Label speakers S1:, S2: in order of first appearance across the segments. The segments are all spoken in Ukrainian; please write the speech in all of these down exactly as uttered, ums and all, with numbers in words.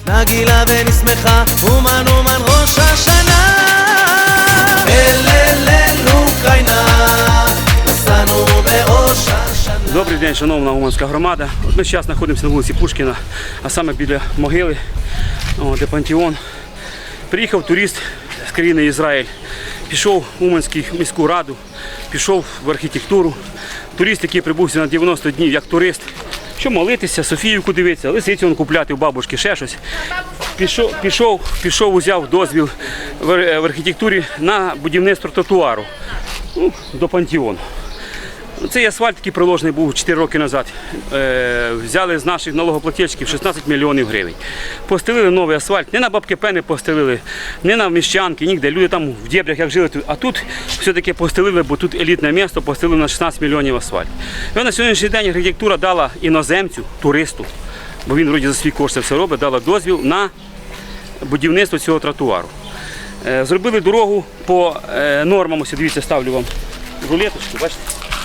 S1: נגילה ונשמחה, אומן אומן ראש השנה. אל אל אל אוקראїна, נסענו בראש השנה.
S2: Добрий день, шановна уманська громада. От ми зараз знаходимося на вулиці Пушкіна, а саме біля могили, о, де пантеон. Приїхав турист з країни Ізраїль, пішов в Уманську міську раду, пішов в архітектуру. Турист, який прибувся на дев'яносто днів як турист, що молитися, Софіївку дивитися, лисицю он купляти у бабушки, ще щось. Пішов, пішов, пішов, узяв дозвіл в, в архітектурі на будівництво тротуару, ну, до пантеону. Цей асфальт, який проложений був чотири роки назад, е, взяли з наших налогоплательщиків шістнадцять мільйонів гривень. Постелили новий асфальт, не на бабки пени постелили, не на Міщанки, ніде. Люди там в дєбрях як жили, а тут все-таки постелили, бо тут елітне місто, постелили на шістнадцять мільйонів асфальт. І на сьогоднішній день архітектура дала іноземцю, туристу, бо він вроді за свій кошти все робить, дала дозвіл на будівництво цього тротуару. Е, зробили дорогу по е, нормам, ось дивіться, ставлю вам рулеточку, бачите?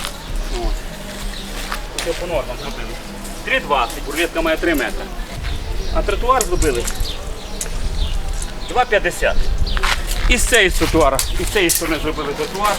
S2: Це по нормам зробили. три двадцять, рулетка має три метри. А тротуар зробили два п'ятдесят. І з цієї тротуара, і з цієї сторони зробили тротуар.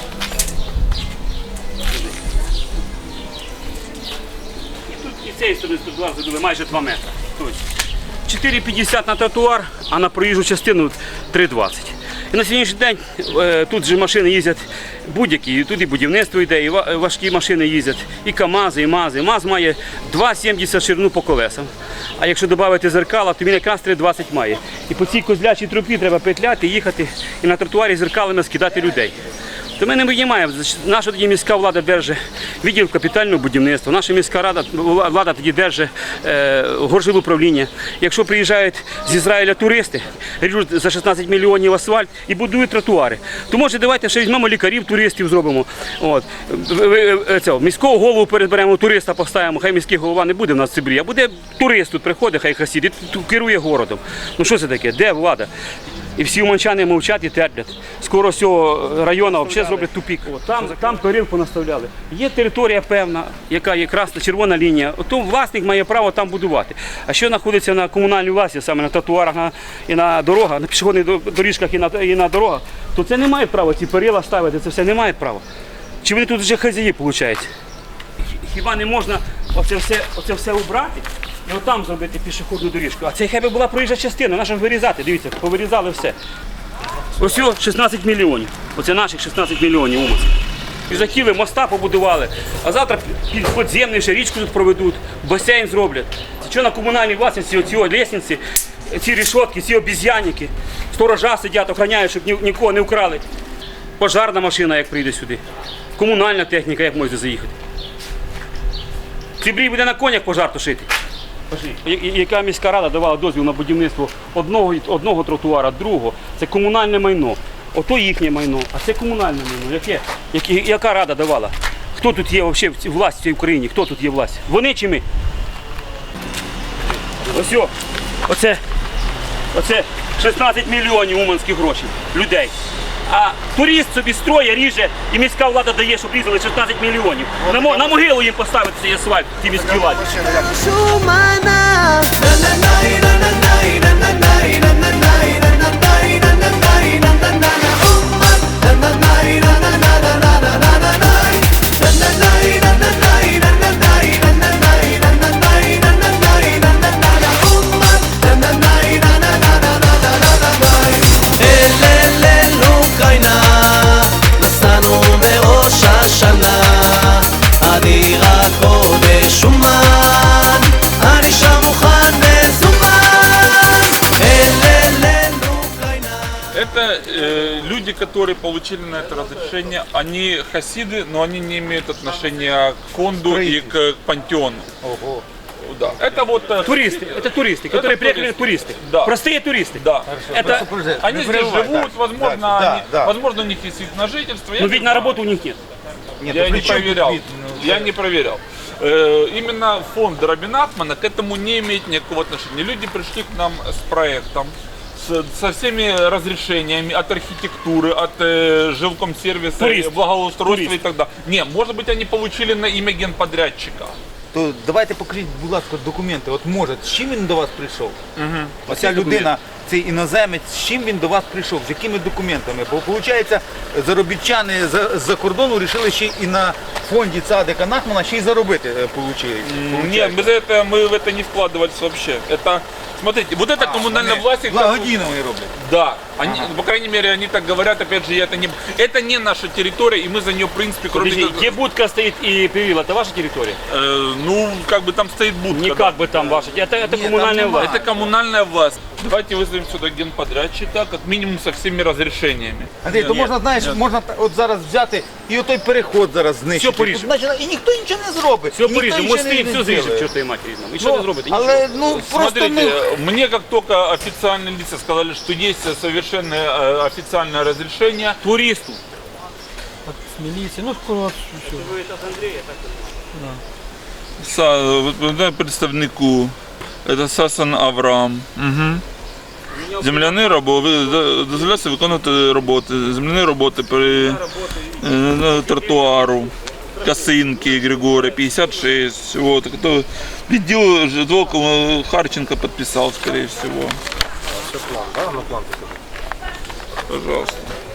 S2: І тут і з цієї сторони тротуар зробили майже два метри. Тобто чотири п'ятдесят на тротуар, а на проїжджу частину три двадцять. І на сьогоднішній день е, тут же машини їздять будь-які, тут і будівництво йде, і важкі машини їздять, і КАМАЗи, і МАЗи. МАЗ має два сімдесят ширину по колесам, а якщо додати зеркала, то він якраз три двадцять має. І по цій козлячій трубі треба петляти, їхати і на тротуарі зеркалами скидати людей. То ми не виймаємо. Наша тоді міська влада держить відділ капітального будівництва, наша міська рада, влада тоді держить е, горжилуправління. Якщо приїжджають з Ізраїля туристи, ріжуть за шістнадцять мільйонів асфальт і будують тротуари, то може давайте ще візьмемо лікарів, туристів зробимо. От. Цього, міського голову переберемо, туриста поставимо, хай міський голова не буде в нас в Цибрі, а буде турист тут приходить, хай хасід, і керує городом. Ну що це таке? Де влада? І всі уманчани мовчать і терплять. Скоро з цього району взагалі зроблять тупік. Там, там корів понаставляли. Є територія певна, яка є красна, червона лінія. То власник має право там будувати. А що знаходиться на комунальній власті, саме на тротуарах на, і на дорогах, на пішохідних доріжках і на, і на дорогах, то це не має права, ці перила ставити, це все не має права. Чи вони тут вже хазяї, виходить? Хіба не можна оце все, оце все убрати? І отам зробити пішохідну доріжку. А це хай би була проїжджа частина, наша вирізати. Дивіться, повирізали все. Ось шістнадцять мільйонів. Оце наших шістнадцять мільйонів уманських. І захотіли, моста побудували. А завтра підземну ще річку тут проведуть, басейн зроблять. Це що на комунальній власності, оці лестниці, ці рішотки, ці обіз'янники. Сторожа сидять, охороняють, щоб нікого не вкрали. Пожарна машина, як прийде сюди. Комунальна техніка, як може заїхати. Цибрій буде на конях пожар тушити. Яка міська рада давала дозвіл на будівництво одного, одного тротуара, другого. Це комунальне майно. Ото їхнє майно, а це комунальне майно. Яке? Яке? Яка рада давала? Хто тут є взагалі власть в цій Україні? Хто тут є власть? Вони чи ми? Ось о, оце, оце шістнадцять мільйонів уманських грошей, людей. А турист собі строє, ріже, і міська влада дає, щоб різали шістнадцять мільйонів. На, на могилу їм поставити цей асфальт, ті міські владі.
S1: אני רק חודש אומן, אני שם מוכן מזומן. אל אל אל אוקראїна.
S3: Это э, люди, которые получили на это разрешение, они хасиды, но они не имеют отношения к фонду и к пантеону. Ого. Да. Это вот э,
S2: туристы, это туристы,
S3: это
S2: которые приехали
S3: туристы.
S2: туристы.
S3: Да.
S2: Простые туристы.
S3: Да.
S2: Это
S3: они здесь живут, возможно,
S4: да,
S3: они,
S4: да.
S3: возможно, у них есть вид на жительство.
S2: Но ведь на работу у них нет.
S4: Нет,
S3: я
S4: ну,
S3: не проверял. Я не проверял. Э, именно фонд Рабин Ахмана к этому не имеет никакого отношения. Люди пришли к нам с проектом, с, со всеми разрешениями от архитектуры, от э, жилкомсервиса,
S2: Турист.
S3: благоустройства
S2: Турист.
S3: и так далее. Не, может быть, они получили на имя генподрядчика.
S4: то давайте покажіть, будь ласка, документи. От може, з чим він до вас прийшов?
S3: Угу.
S4: Оця
S2: Які
S4: людина, цей іноземець, з чим він до вас прийшов, з якими документами? Бо виходить, заробітчани з-за кордону вирішили ще і на фонді Цадика Нахмана ще й заробити е, получили.
S3: Нет, без этого мы в это не вкладывались вообще. Это, смотрите, вот это коммунальная
S4: Вони
S3: власть. их так-
S4: благодійно вони роблять.
S3: Да, они, по крайней мере, они так говорят, опять же, я это не... Это не наша территория, и мы за нее, в принципе, кроме...
S2: Подожди,
S3: как-
S2: где будка стоит и перевил, это ваша территория?
S3: Э, ну, как бы там стоит будка.
S2: Не
S3: да.
S2: как бы там ваша, это, это
S4: Нет,
S2: коммунальная
S4: там
S2: власть.
S3: Это коммунальная власть. Давайте вызовем сюда генподрядчика, как минимум со всеми разрешениями.
S4: Андрій, то
S3: Нет,
S4: можна, знаєш,
S3: нет.
S4: можна та- от зараз взяти і отой переход зараз знищити.
S2: Все поріжемо.
S4: Тут, значить, і ніхто нічого не зробить.
S2: Все
S4: і ніхто
S2: поріжемо,
S4: нічого
S2: мости,
S4: не
S2: все зріжемо,
S4: зробить.
S2: чортові матері. І що ви зробите? Нічого.
S4: Але, ну, просто,
S3: Смотрите,
S4: ну,
S3: мне как только официальные лица сказали, что есть совершенно э, официальное разрешение,
S2: Туристу.
S5: З міліції, ну коротше, все.
S3: Са, вот, да, представнику, это Сасан Авраам. Угу. Земляні роботи, дозволяється виконувати роботи, земляні роботи при е, на тротуару, Косинки Григория, пятьдесят шесть, вот, кто, відділ житлового Харченко подписал, скорее всего. Пожалуйста.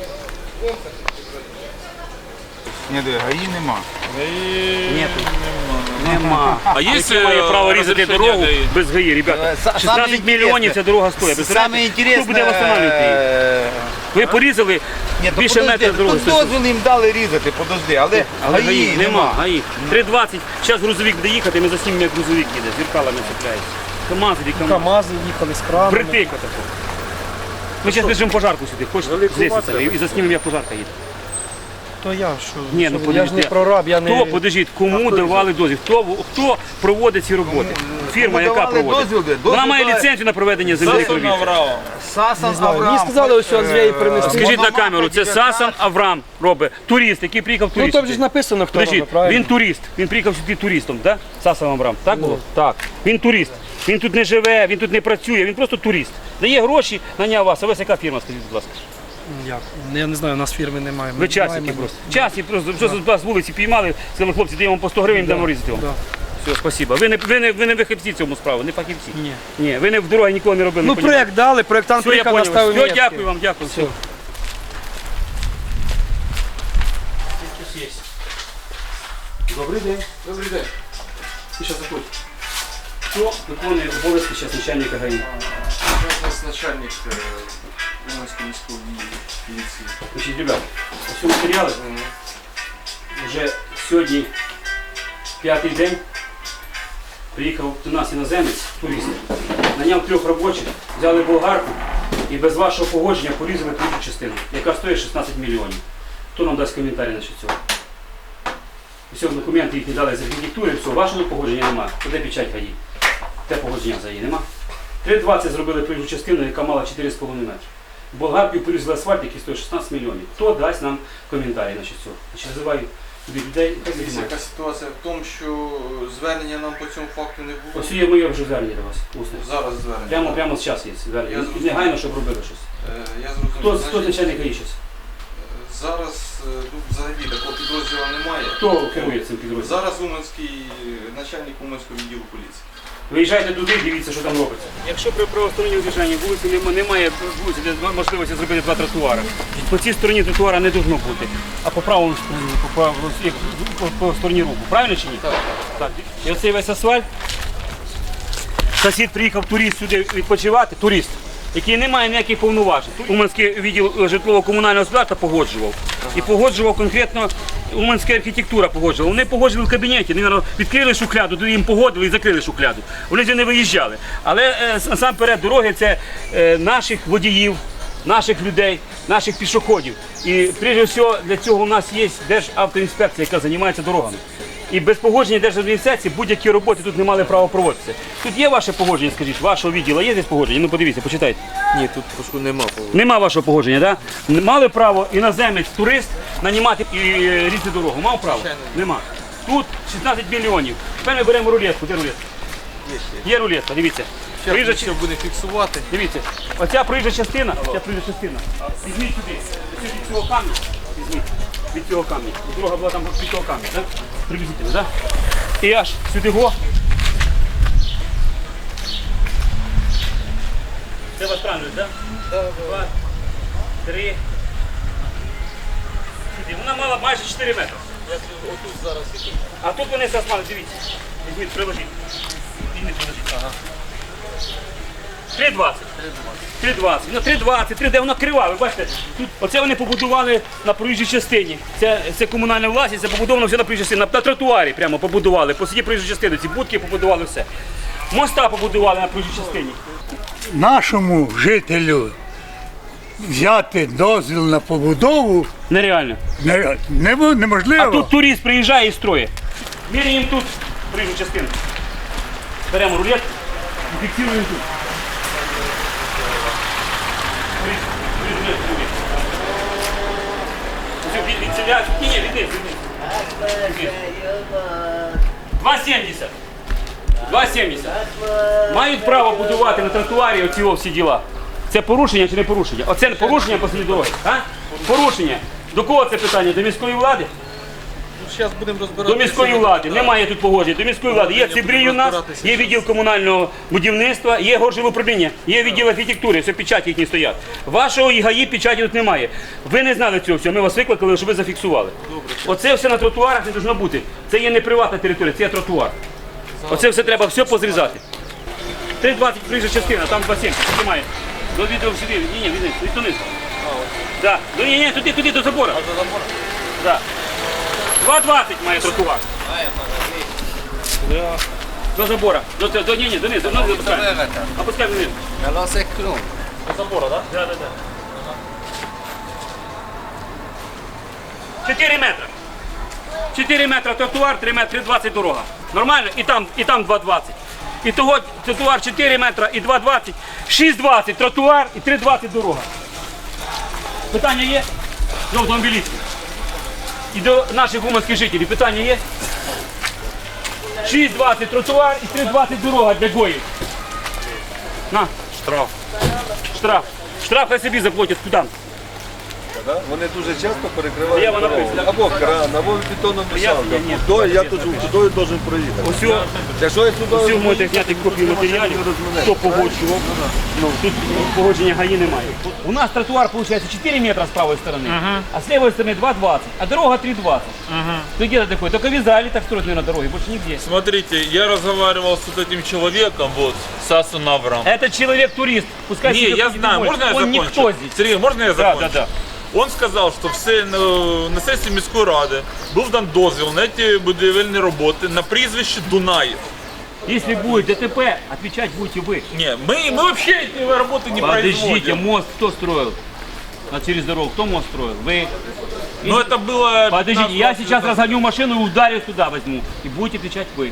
S4: ні, диви, гаї нема.
S2: Нету. Нема.
S3: А є,
S2: Яке має
S3: е,
S2: право різати
S3: розрішення
S2: дорогу
S3: ГАІ?
S2: без ГАІ, ребята?
S4: Е, са- саме
S2: шістнадцять мільйонів
S4: інтересне-
S2: ця дорога стоїть.
S4: Саме
S2: Представляєте?
S4: інтересне,
S2: Хто буде восстанавливати її?
S4: е,
S2: Ви порізали
S4: Ні, то
S2: більше
S4: подожди,
S2: метра дороги.
S4: тут дозвіл їм дали різати, подожди, але,
S2: Але
S4: гаї
S2: ГАІ нема. ГАІ. три двадцять. Зараз грузовик буде їхати, ми заснімемо, як грузовик їде. З зеркалами цепляється. КамАЗ і КамАЗ.
S5: КамАЗи їхали з кранами.
S2: Притика таку. Ми зараз біжимо пожарку сюди, хочеш з лестницями, і заснімемо, як пожарка їде.
S5: То я що?
S2: Ні, ну
S5: що ви? Я ж не
S2: подожди.
S5: прораб, я не...
S2: Хто, подождіть, кому давали дозвіл? Хто, хто проводить ці роботи? Фірма,
S4: кому
S2: яка
S4: давали
S2: проводить?
S4: дозвіл, дозвіл
S2: Вона має
S4: дали-
S2: ліцензію на проведення земельних
S3: Сасан
S2: робіт.
S3: Авраам.
S4: Сасан
S5: Не знаю,
S4: Авраам.
S5: мені сказали, ось Андрій
S4: е,
S5: принесли.
S2: Скажіть на
S4: Мономаха
S2: камеру, це
S4: дев'ятнадцять.
S2: Сасан Авраам робить. Турист, який приїхав
S5: Ну
S2: туристом.
S5: там же ж написано, хто
S2: Подождіть,
S5: робить, правильно?
S2: він турист, він приїхав сюди туристом, так? Сасан Авраам, так було? Так. Він турист. Він тут не живе, він тут не працює, він просто турист. Дає гроші, наняв вас. А ви яка фірма, скажіть, будь ласка?
S5: Як? Я не знаю, у нас фірми немає. Ми
S2: Ви часники
S5: маємо-
S2: просто. Часні просто, просто з вас вулиці піймали, сказали, хлопці, даємо по сто гривень, дамо різати вам.
S5: Да.
S2: Все, спасибо. Ви не, ви не, ви не вихідці в цьому справи, не фахівці.
S5: Ні.
S2: Ні, ви не в дорогі ніколи не робили.
S5: Ну
S2: не понімаєте.
S5: проєкт дали, проєктант
S2: Все, я
S5: приїхав,
S2: понял.
S5: наставив
S2: Все,
S5: метки.
S2: дякую вам, дякую. Все.
S5: Все.
S2: Добрий день. Добрий день. Ти зараз заходь. Хто виконує обов'язки зараз начальника ГАІ?
S6: У нас начальник э, Уманской міської міліції.
S2: Значить, ребят, ось матеріали. Вже сьогодні п'ятий день. Приїхав до нас іноземець, турист. Наняв трьох робочих, взяли болгарку і без вашого погодження порізали третю частину, яка стоїть шістнадцять мільйонів. Хто нам дасть коментарі на цього? Все, документи їх не дали з архітектури, все, вашого погодження немає. Де печать ГАІ? Те погодження за її нема. три двадцять зробили проїжджу частину, яка мала чотири з половиною метри. Болгаркою порізали асфальт, який стоїть шістнадцять мільйонів. Хто дасть нам коментарі на цього? Значить, називаю туди людей. хай
S6: Дивіться,
S2: знімають.
S6: яка ситуація в тому, що звернення нам по цьому факту не було.
S2: Ось є моє вже звернення до вас. Усне.
S6: Зараз звернення.
S2: Прямо, прямо зараз є звернення.
S6: Я
S2: І
S6: зрозумів.
S2: негайно, щоб робили щось.
S6: Е, Я зрозумів.
S2: Хто,
S6: Значить,
S2: хто начальник ГАІ зараз?
S6: Зараз е, тут взагалі такого підрозділу немає.
S2: Хто керує цим підрозділом?
S6: Зараз Уманський начальник Уманського відділу поліції.
S2: Виїжджайте туди, дивіться, що там робиться. Якщо при правосторонньому движенні вулиці нема- немає вулиці, де можливості зробити два тротуари, по цій стороні тротуара не повинно бути, а по правому стороні, по, правому- по, по, по стороні руху. Правильно чи ні? Так. Так. І оцей весь асфальт. Сусід приїхав турист сюди відпочивати, турист, який не має ніяких повноважень. Уманський відділ житлово-комунального господарства погоджував. І погоджував конкретно Уманська архітектура погоджувала. Вони погоджували в кабінеті, вони наверно, відкрили шухляду, туди їм погодили і закрили шухляду. Вони вже не виїжджали. Але е, насамперед дороги це е, наших водіїв, наших людей, наших пішоходів. І прежде всього для цього у нас є Державтоінспекція, яка займається дорогами. І без погодження Держадміністрації будь-які роботи тут не мали права проводитися. Тут є ваше погодження, скажіть, вашого відділу, є десь погодження? Ну подивіться, почитайте.
S6: Ні, тут прошу нема.
S2: Нема вашого погодження, так? Да? Мали право іноземець, турист нанімати і е, різати дорогу. Мав право? Нема. Тут шістнадцять мільйонів. Тепер ми беремо рулетку. Де рулетка? Є рулетка, дивіться. Проїжджа
S6: Ще
S2: чи-
S6: буде фіксувати.
S2: Дивіться, оця проїжджа частина, ця проїжджа частина. Візьміть сюди. Ось від цього камня. Візьміть. Від цього камня. Дорога була там від цього камня, так? Приблизительно, так? і аж сюди го. Це вас правильно, так? Два, три. Сюди. Вона мала майже чотири метри. А тут вони засмали, дивіться. Візьміть, приложіть. Візьміть, приложіть. Ага. три двадцять. три двадцять. Ну, три двадцять, три де вона крива, ви бачите? Тут, оце вони побудували на проїжджій частині. Це, це комунальна власність, це побудовано все на проїжджій частині. На, на тротуарі прямо побудували. Посіді проїжджій частини, ці будки побудували все. Моста побудували на проїжджій частині.
S7: Нашому жителю взяти дозвіл на побудову
S2: Нереально.
S7: не, не, неможливо.
S2: А тут турист приїжджає і строїть. Міряємо тут проїжджу частину. Беремо рулет і фіксуємо тут. Від, від селя, ні, ні, від них, від них. два сімдесят. два сімдесят. Мають право будувати на тротуарі оці о всі діла. Це порушення чи не порушення? Оце порушення посеред дороги, а? Порушення. До кого це питання? До міської влади?
S5: Зараз будемо розбиратися.
S2: До міської влади. Немає тут погодження. До міської влади. Є Цибрій у нас, є відділ комунального будівництва, є горжилуправління, є відділ архітектури, все печаті їхні стоять. Вашого ІГАІ печаті тут немає. Ви не знали цього всього, ми вас викликали, щоб ви зафіксували. Оце все на тротуарах не повинно бути. Це є не приватна територія, це є тротуар. Оце все треба все позрізати. три двадцять проїжджа частина, там два сімдесят, немає. До відео сюди, ні, ні, відниз, від туниз. Да. Ну, ні, ні, туди, туди, до забору. А, до забору? Да. два двадцять має тротуар. До забора. До, до, до, ні, ні, донизу, донизу опускаємо. Опускаємо вниз. До забора, так? Да? Да, да, да. чотири метри. чотири метри тротуар, три метри двадцять дорога. Нормально? І там, і там два двадцять. І того тротуар чотири метри і два двадцять. шість двадцять тротуар і три двадцять дорога. Питання є? До автомобілістів. І до наших уманських жителів питання є? шість двадцять тротуар і три двадцять дорога для гоїв. На. Штраф. Штраф. Штраф хай собі заплатять куди?
S8: Вони дуже часто перекривають
S2: Я вона
S8: дорогу.
S2: написана.
S8: Або кран, або бетонним
S2: Я-
S8: мішалком.
S2: ні, ні.
S8: Туди я тут туди должен проїхати.
S2: Усього,
S8: Якщо я сюди
S2: усього можете зняти копію матеріалів, хто погоджував. Ну, тут погодження ГАІ немає. У нас тротуар, виходить, чотири метра з правої сторони, а з лівої сторони два двадцять, а дорога три двадцать. Ну где-то такое, только в Израиле так строят, наверное, дороги, больше нигде.
S3: Смотрите, я разговаривал с вот этим человеком, вот, с Асом Аврам.
S2: Этот человек-турист, пускай
S3: Не,
S2: себе
S3: я
S2: ходит
S3: знаю,
S2: домой.
S3: можно я
S2: Он
S3: закончу?
S2: никто здесь.
S3: Сергей, можно я
S2: Да,
S3: закончу?
S2: да, да.
S3: Он сказав, що все на, на сесії міської ради був дан дозвіл на ці будівельні роботи на прізвище Дунаєв.
S2: Если будет ДТП, отвечать будете вы.
S3: Не, мы, мы вообще эти работы не
S2: Подождите,
S3: производим.
S2: мост кто строил? А через дорогу кто мост строил? Вы.
S3: Но это было...
S2: Подождите, я сейчас разгоню машину и ударю туда возьму. И будете отвечать вы.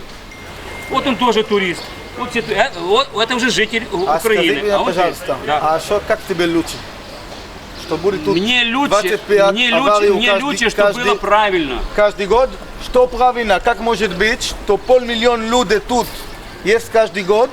S2: Вот он тоже турист. Вот, все ту- э, вот это уже житель У-
S9: А
S2: Украины.
S9: скажи мне,
S2: он
S9: пожалуйста,
S2: здесь. Да.
S9: а что, как тебе лучше? Что будет тут
S2: Мне лучше,
S9: двадцать пять
S2: мне
S9: аварий
S2: лучше,
S9: у
S2: мне
S9: каждый-
S2: лучше, чтобы
S9: каждый-
S2: было правильно.
S9: каждый год? Что правильно? Как может быть, что полмиллиона людей тут есть каждый год,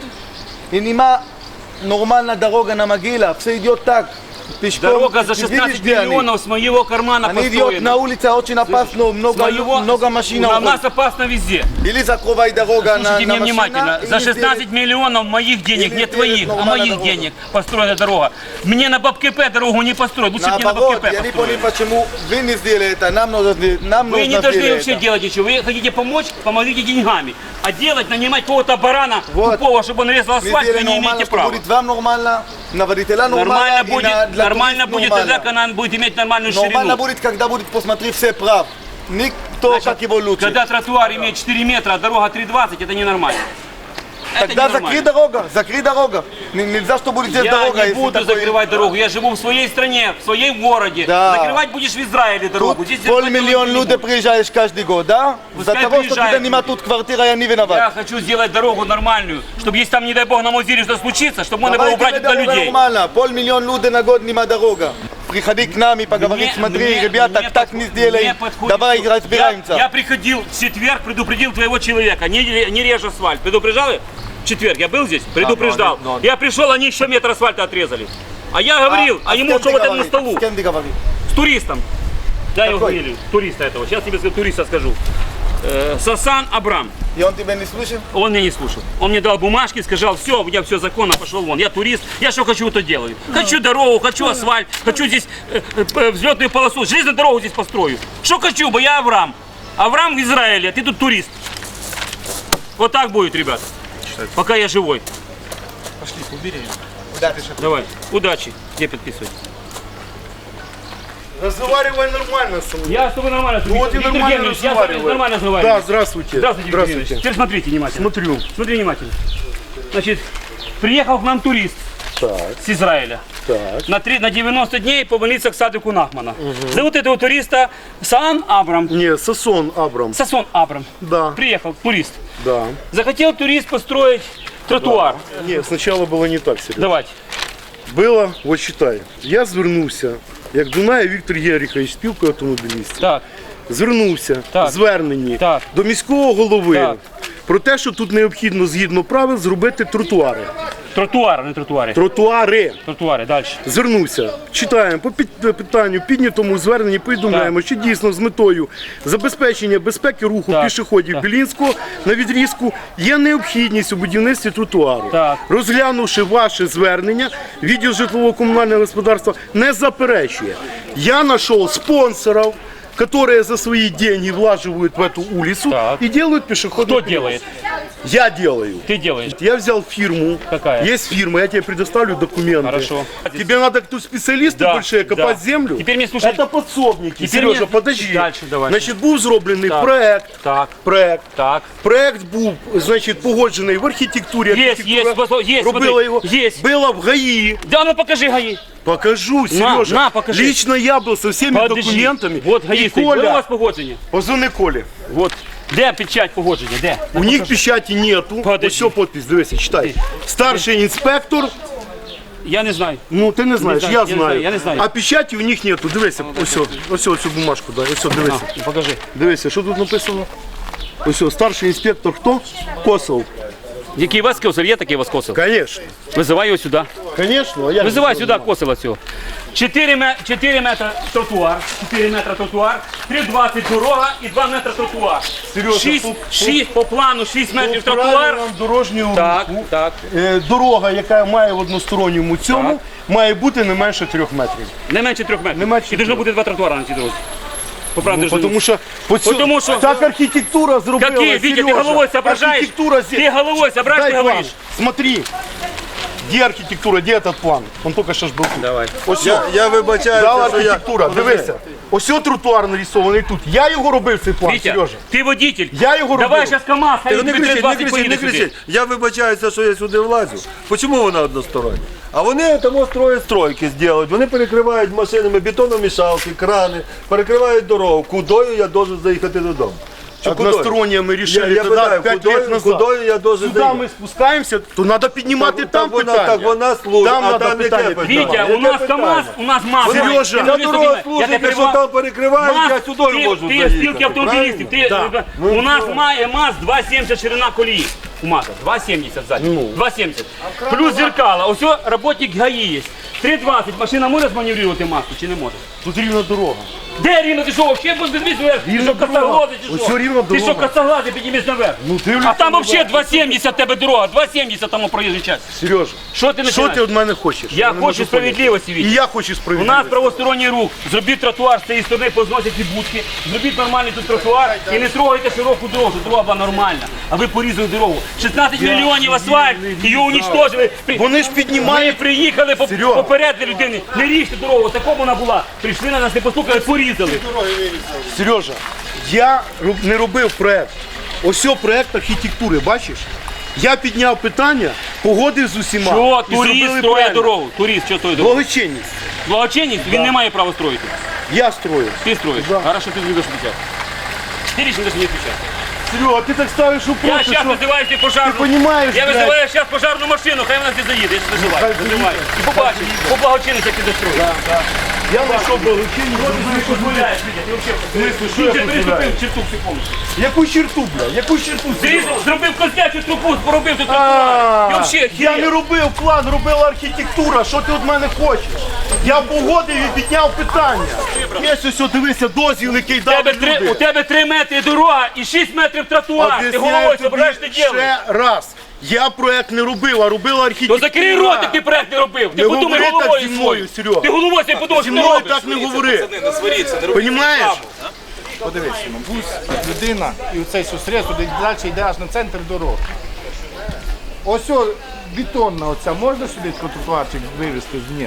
S9: и нема нормальная дорога на могила, все идет так, пешком.
S2: Дорога за
S9: Ты видишь,
S2: шестнадцать
S9: где они?
S2: миллионов с моего кармана
S9: Они идут
S2: построена.
S9: на улице, очень опасно,
S2: С
S9: много,
S2: моего-
S9: много машин.
S2: У нас
S9: уходит.
S2: опасно везде.
S9: Или закрывай дорога на,
S2: Слушайте
S9: на
S2: меня внимательно.
S9: машина,
S2: За
S9: или
S2: шестнадцать
S9: сделай-
S2: миллионов моих денег,
S9: или
S2: не
S9: сделать
S2: твоих, а
S9: нормальную
S2: моих
S9: дорогу.
S2: денег построена дорога. Мне на Бабкепе дорогу не построят. Лучше бы мне на
S9: Наоборот,
S2: Бабкепе
S9: я не понял,
S2: построили.
S9: почему вы не сделали это, нам нужно, сделать- нам
S2: Вы
S9: нужно
S2: не должны
S9: сделать
S2: вообще
S9: это.
S2: делать ничего. Вы хотите помочь, помогите деньгами. А делать, нанимать кого-то барана
S9: Вот.
S2: тупого, чтобы он резал
S9: Мы
S2: асфальт, вы
S9: сделали
S2: не
S9: нормально,
S2: имеете
S9: что
S2: права.
S9: будет вам нормально, на водителя нормально,
S2: Нормально
S9: и
S2: будет,
S9: на- для
S2: нормально
S9: туристов
S2: будет
S9: нормально.
S2: тогда, когда он будет иметь нормальную
S9: Нормально
S2: ширину.
S9: будет, когда будет посмотреть все прав. Никто
S2: Значит,
S9: как его лучше.
S2: Когда тротуар имеет четыре метра, а дорога три двадцать, это ненормально. Это
S9: Тогда
S2: ненормально.
S9: закрой дорога, закрой дорога. Н- Нельзя, что будет здесь
S2: Я
S9: дорога.
S2: не
S9: если
S2: буду
S9: такой-
S2: закрывать дорогу. Я живу в своей стране, в своем городе.
S9: Да.
S2: Закрывать будешь в Израиле дорогу.
S9: Тут
S2: Здесь закрывать
S9: полмиллиона
S2: дорогу не
S9: людей
S2: буду.
S9: приезжаешь каждый год, да? За
S2: Пускай
S9: того, что
S2: приезжают
S9: тебя нема
S2: люди.
S9: тут квартира, я не виноват.
S2: Я хочу сделать дорогу нормальную, чтобы если там, не дай бог, на Мозире что случится, чтобы можно было
S9: Давайте
S2: убрать
S9: делаем
S2: туда людей.
S9: нормально. Полмиллиона людей на год нема дорога. Приходи к нам и поговори,
S2: Мне-
S9: смотри,
S2: мне-
S9: ребята,
S2: мне
S9: так
S2: подход-
S9: не сделаем.
S2: мне подходит
S9: Давай
S2: всё.
S9: разбираемся.
S2: Я, я приходил в четверг, предупредил твоего человека, не, не режь асфальт. Предупреждал? В четверг я был здесь, предупреждал. Я пришел, они еще метр асфальта отрезали. А я говорил, а,
S9: с
S2: ему
S9: кем
S2: что
S9: ты
S2: вот это на
S9: говоришь?
S2: столу?
S9: С кем ты говоришь?
S2: С туристом. Да, его
S9: Какой?
S2: фамилию. Туриста этого. Сейчас тебе скажу, туриста скажу. Э, Сасан Абрам.
S9: И он тебя не слышал?
S2: Он меня не слушал. Он мне дал бумажки, сказал, все, у меня все законно, пошел вон. Я турист, я что хочу, то делаю. Хочу дорогу, хочу асфальт, хочу здесь э, э, взлетную полосу, железную дорогу здесь построю. Что хочу, бы я Авраам. Авраам в Израиле, а ты тут турист. Вот так будет, ребята. Пока я живой.
S5: Пошли, убери ее.
S9: Куда ты шаг?
S2: Давай, удачи. Где подписывай?
S7: Разговаривай нормально со мной.
S2: Я с тобой нормально.
S7: Ну вот и
S2: Виктор
S7: нормально
S2: Евгеньевич, я с тобой
S7: разговариваю.
S2: нормально разговариваю.
S7: Да, здравствуйте.
S2: Здравствуйте, Виктор Евгеньевич. Теперь смотрите внимательно.
S7: Смотрю.
S2: Смотри внимательно. Значит, приехал к нам турист
S7: Так,
S2: с Израиля.
S7: так.
S2: На, три, на девяносто дней помолиться к садику Нахмана. Зовут этого туриста Саан Абрам.
S7: Не, Сосон Абрам.
S2: Сасон Абрам.
S7: Да,
S2: Приехал турист.
S7: да.
S2: Захотел турист построить тротуар.
S7: Ні, сначала було не так, Серега.
S2: Давайте.
S7: Було, от читай. Я звернувся, як Дунаєв Віктор Єрихович, спілка автомобілістів.
S2: Так,
S7: Звернувся
S2: Так.
S7: зверненні
S2: Так.
S7: до міського голови
S2: Так.
S7: про те, що тут необхідно згідно правил зробити тротуари.
S2: тротуар, не тротуари.
S7: Тротуари.
S2: Тротуари, далі.
S7: Звернувся, читаємо по під- питанню, піднятому зверненні повідомляємо, що дійсно з метою забезпечення безпеки руху
S2: Так,
S7: пішоходів
S2: так.
S7: Білінського на відрізку є необхідність у будівництві тротуару.
S2: Так.
S7: Розглянувши ваше звернення, відділ житлово-комунального господарства не заперечує. Я знайшов спонсорів, которые за свои деньги влаживают в эту улицу
S2: Так.
S7: и делают пешеходный
S2: Кто
S7: переход.
S2: делает?
S7: Я делаю.
S2: Ты делаешь.
S7: Я взял фирму.
S2: Какая?
S7: Есть фирма, я тебе предоставлю документы.
S2: Хорошо.
S7: Тебе надо тут специалисты
S2: Да,
S7: большие копать
S2: да.
S7: землю.
S2: Теперь мне слушай.
S7: Это подсобники.
S2: Теперь
S7: Сережа,
S2: мне-
S7: подожди.
S2: Дальше давай.
S7: Значить, був зроблений
S2: Так.
S7: проект.
S2: Так,
S7: Проект.
S2: так.
S7: Проект був, значить, погоджений в архітектурі.
S2: Є,
S7: Архітектура
S2: є, є,
S7: робила
S2: смотри,
S7: його.
S2: є.
S7: Була в ГАІ.
S2: Да ну покажи ГАИ.
S7: Покажу, Сережа.
S2: на, покажи.
S7: Лично я был со всеми
S2: Подожди.
S7: документами.
S2: Вот
S7: И
S2: ГАИ стоит. Де у
S7: Коля,
S2: вас погодження?
S7: позвони Колі.
S2: Вот. Де печать погодження? Де?
S7: У них печати нету.
S2: Подожди.
S7: Ось все подпись, дивися, читай. Старший інспектор.
S2: Я не знаю.
S7: Ну, ти не знаєш,
S2: знаю,
S7: я
S2: я не
S7: знаю.
S2: знаю, я не знаю.
S7: А печаті у них нету. Дивися, ось, о, ось о, цю бумажку, дай. Ось, о, дивися.
S2: На, покажи.
S7: Дивися, що тут написано? Ось, о, старший інспектор хто? Косов.
S2: Який вас косив? Є такий вас косив?
S7: Конечно.
S2: Визивай його сюди.
S7: Конечно. А я
S2: Визивай сюди косила цього. чотири метри тротуар, чотири метри тротуар, три двадцять дорога і два метри тротуар.
S7: Серйозно,
S2: шість,
S7: по-
S2: шість по плану, шість метрів
S7: По
S2: тротуар.
S7: правилам дорожнього
S2: Так,
S7: руху,
S2: так.
S7: е, дорога, яка має в односторонньому цьому,
S2: Так.
S7: має бути не менше трьох метрів.
S2: Не менше трьох метрів.
S7: Не менше
S2: І должно
S7: трьох.
S2: бути два тротуари на цій дорозі. По правді
S7: Ну, тому що, по цьому-
S2: Потому що-
S7: так архітектура зробила,
S2: Какие, Витя, ты
S7: Сережа.
S2: головой соображаешь?
S7: Архітектура зе-
S2: Ты головой соображаешь,
S7: Дай
S2: ты
S7: план.
S2: говоришь.
S7: Смотри. Где архітектура, де этот план? Он только що ж був тут.
S2: Давай.
S7: Ось
S8: Я,
S7: о,
S8: я вибачаюся,
S7: дала
S8: що я...
S7: архітектура, дивися. Ось о тротуар нарисований тут. Я його робив цей план,
S2: Витя,
S7: Сережа.
S2: ты водитель.
S7: Я його
S2: Давай
S7: робив.
S2: сейчас КамАЗ, хай
S8: Ти не
S2: тобі
S8: кричіть, не
S2: двадцять
S8: кричіть, не
S2: поїде сюди.
S8: кричіть. Я вибачаюся, що я сюди влазю. Чому вона одностороння? А вони тому строять стройки зроблять. Вони перекривають машинами бетономішалки, крани, перекривають дорогу. Кудою я должен заїхати додому? Чи кудою?
S7: Односторонне ми
S8: Я,
S7: рішили
S8: я
S7: тоді
S8: питаю,
S7: п'ять
S8: кудою,
S7: років назад.
S8: кудою я должен
S7: Сюди
S8: заїхати?
S7: ми спускаємося, то треба піднімати
S8: Так,
S7: там
S8: так вона,
S7: питання.
S8: так вона служить,
S7: Там
S8: а
S7: надо
S8: там
S7: питання
S8: яке питання?
S2: Витя,
S8: Яке
S2: у нас
S8: питання?
S2: КамАЗ, у нас МАЗ.
S7: Сережа,
S2: Ти
S8: Ця
S2: не
S8: дорога
S2: розумієш.
S8: служить,
S2: Я тебе
S8: якщо
S2: перебиваю.
S8: там перекривають,
S2: МАЗ,
S8: я сюди
S2: ти-
S8: можу
S2: Ти
S8: заїхати.
S2: спілки автомобілістів. Ти,
S7: Да.
S2: у нас має МАЗ два сімдесят ширина колії. У МАЗа два сімдесят ззаді. два сімдесят. Плюс зеркала. Ось о, работник ГАИ є. три двадцять. Машина може зманеврувати маску чи не може?
S7: Тут рівна дорога.
S2: Де рівно? Ти що, вообще без відвісу? Ти
S7: Рівна
S2: що,
S7: дорога.
S2: косоглазий чи
S7: Ось
S2: що?
S7: цю рівна
S2: Ти що,
S7: дорога.
S2: косоглазий, піднімись наверх?
S7: Ну, дивлюся
S2: А там
S7: наверх.
S2: взагалі два сімдесят тебе дорога, два сімдесят там проїжджий час.
S7: Сережа,
S2: Що ти
S7: що
S2: починаєш?
S7: ти від мене хочеш?
S2: Я
S7: не можу
S2: хочу справедливості,
S7: поняти.
S2: Вітя.
S7: І я хочу
S2: У
S7: справедливості.
S2: нас правосторонній рух. Зробіть тротуар з цієї сторони, позносять ці будки. Зробіть нормальний тут тротуар і не трогайте широку дорогу, щоб дорога була нормальна. А ви порізали дорогу. шістнадцять мільйонів асфальт, її уничтожили. При-
S7: Вони ж
S2: Ми
S7: піднімають.
S2: приїхали по-
S7: Серьога.
S2: попередили людини. Не ріжте дорогу, такому вона була. Прийшли на нас, не послухали, порізали.
S7: Сережа, я роб- не робив проект. Ось о проект архітектури, бачиш? Я підняв питання, погодив з усіма.
S2: Що
S7: і
S2: турист
S7: зробили
S2: строє
S7: правильно.
S2: дорогу? Турист, що строє дорогу?
S7: Благочинність.
S2: Благочинність, він не має права строїти.
S7: Я строю.
S2: Ти строїш.
S7: Да.
S2: Хорошо, ти не будеш відповідати. Ти лично не відповідати.
S7: Серега, ти так ставиш
S2: Я
S7: вопрос,
S2: сейчас
S7: що...
S2: вызываю тебе пожарную.
S7: Ты понимаешь,
S2: Я
S7: блядь?
S2: вызываю сейчас пожарную машину, хай вона здесь заїде, я вызываю.
S7: Хай
S2: Вызываю. І побачиш, по благочинності, як ти достроїш.
S7: Я знайшов благочинні,
S2: Ти дозволяєш, Вітя, ти взагалі.
S7: смислі, що я
S2: Ти
S7: дозволяю?
S2: переступив черту секунду.
S7: Яку черту, бля? Яку черту?
S2: Ти зробив козлячу трубу, поробив тут тротуар. Ти
S7: А,
S2: взагалі
S7: Я не
S2: хір.
S7: робив план, робила архітектура. Що ти від мене хочеш? Я погодив і підняв питання. Є ось, ось, дивися, дозвіл, який
S2: У
S7: дали
S2: тебе три- У
S7: люди.
S2: тебе три метри дорога і шість метрів тротуар. Ти
S7: Об'ясняю
S2: головою
S7: тобі
S2: собираєш, ти ділиш.
S7: ще раз. Я проект не робив, а робила
S2: То
S7: архітектура.
S2: закрий рот, як ти проект не робив. Ти
S7: Не
S2: подумай
S7: говори так
S2: головою
S7: зі мною,
S2: своєю.
S7: Серьога.
S2: Ти головою собі подумай,
S7: Зі
S2: що ти
S7: мною
S2: робиш.
S7: так не говори.
S6: Не сваріться, не робіть.
S7: Понімаєш?
S5: Подивись, Сімон, бус, людина і оцей сустріс, туди далі йде аж на центр дороги. Ось о, бетонна оця, можна сюди тротуарчик вивезти? Ні.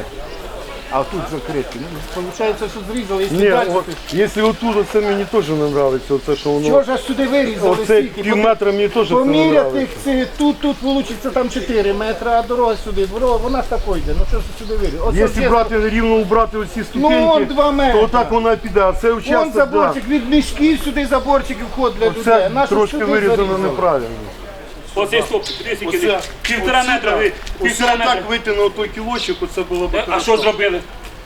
S5: А тут закритий. Ну, виходить, що зрізали і
S7: Ні,
S5: сюди.
S7: от, якщо отут, це мені теж не подобається, оце, що воно...
S5: Чого ж аж сюди вирізали?
S7: Оце
S5: стільки?
S7: пів метра мені теж це не
S5: Поміряти
S7: подобається.
S5: це, тут, тут вийде там чотири метри, а дорога сюди. Дорога, вона ж такою йде. Ну що ж сюди вирізали? Ось
S7: Якщо
S5: ось
S7: брати рівно убрати оці
S5: Ну,
S7: ступеньки,
S5: он два метри.
S7: то отак вона піде, а це
S5: Вон
S7: участок, да.
S5: заборчик, від мішків сюди заборчик і вход для людей.
S7: Це
S5: Нащо
S7: трошки
S5: сюди
S7: вирізано
S5: зарізали?
S7: неправильно.
S2: Оцей стопчик, дивись, який
S7: Оце,
S2: півтора
S7: оце,
S2: метра.
S7: да.
S2: ви-
S7: Оце
S2: Півтора метра.
S7: так вийти на той кілочок, оце було б
S2: Е, А
S7: хорошо.
S2: що зробили?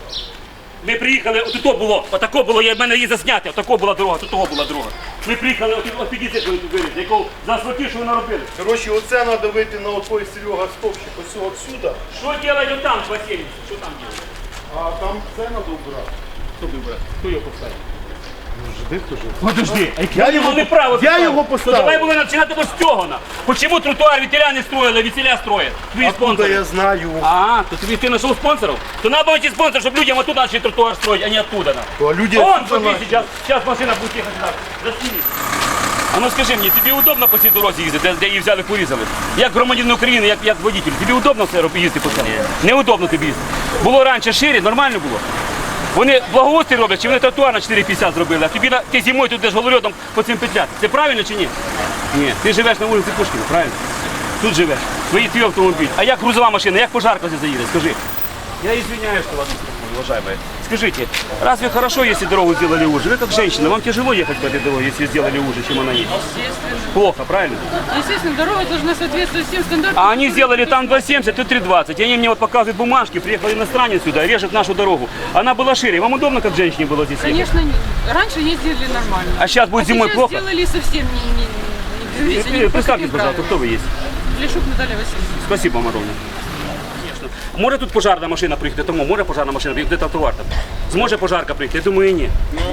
S2: Ми приїхали, от то було, отако було, я в мене її засняти, отако була дорога, тут того була дорога. Ми приїхали, от, от підійти, коли тут вирізали, якого заасфальтів, що ви наробили.
S7: Коротше, оце треба вийти на отой, Серега, стовпчик, ось отсюда,
S2: Що робить там, Василь? Що там робить?
S7: а там це треба убрати.
S2: Хто вибрав? Хто його поставив?
S7: Жди, хто ж?
S2: Подожди,
S7: Я його-
S2: не право
S7: я
S2: поставив.
S7: його поставив.
S2: То давай були починати ось цього. на. Почему тротуар ветеля не строили, ветеля строят? Твої
S7: Откуда
S2: спонсори.
S7: я знаю?
S2: А, то тобі ти знайшов спонсорів? То треба знайти спонсор, щоб людям оттуда начали тротуар строить, а не оттуда. на.
S7: То люди
S2: Вон,
S7: отсюда
S2: смотри,
S7: начали.
S2: сейчас, сейчас машина будет ехать сюда. Засними. А ну скажи мені, тобі удобно по цій дорозі їздити, де, де її взяли, порізали? Як громадянин України, як, як водитель, тобі удобно все роб- їздити по цьому? Неудобно тобі їздити. Було раніше шире, нормально було. Вони благоустрій роблять, чи вони тротуар на чотири п'ятдесят зробили, а тобі на, ти зимою тут йдеш голольотом по цим петляти. Це правильно чи ні? Ні. Ти живеш на вулиці Пушкіна, правильно? Тут живеш. Твій твій автомобіль. А як грузова машина, як пожарка здесь заїде, скажи. Я извиняюсь, что вас беспокою, уважаемые. Скажите, разве хорошо, если дорогу сделали уже? Вы как женщина, вам тяжело ехать по этой дороге, если сделали уже, чем она есть?
S10: Естественно.
S2: Плохо, правильно?
S10: Естественно, дорога должна соответствовать всем стандартам.
S2: А они сделали там два семьдесят, тут три двадцать. И они мне вот показывают бумажки, приехал иностранец сюда, режет нашу дорогу. Она была шире. Вам удобно, как женщине было здесь ехать?
S10: Конечно, не- раньше ездили нормально.
S2: А сейчас будет
S10: А
S2: зимой
S10: сейчас
S2: плохо?
S10: сделали совсем не... не, не, не, не- не-
S2: Представьтесь, пожалуйста, кто вы есть?
S10: Лешук Наталья Васильевна.
S2: Спасибо, Маровна. Звісно. Може тут пожарна машина приїхати, тому може пожарна машина приїхати, де тротуар там? Зможе пожарка приїхати? Я думаю, ні.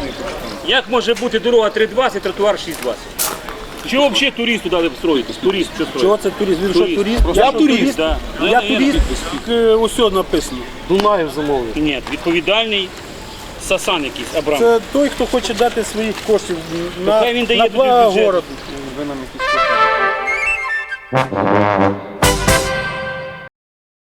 S2: Як може бути дорога три двадцять, тротуар шість двадцять? Чого взагалі турист туди строїтесь? Турист, що строїть?
S11: Чого це турист? Він що турист?
S2: Просто
S11: Я
S2: що
S11: турист.
S2: да. Ну,
S11: Я
S2: це
S11: турист.
S2: підпис.
S11: Усе написано.
S7: Дунаєв замовив.
S2: Ні, відповідальний Сасан якийсь, Абрам.
S11: Це той, хто хоче дати своїх коштів на,
S2: хай він дає
S11: на
S2: туди
S11: благо
S2: бюджет.
S11: городу. Ви нам якісь кошти.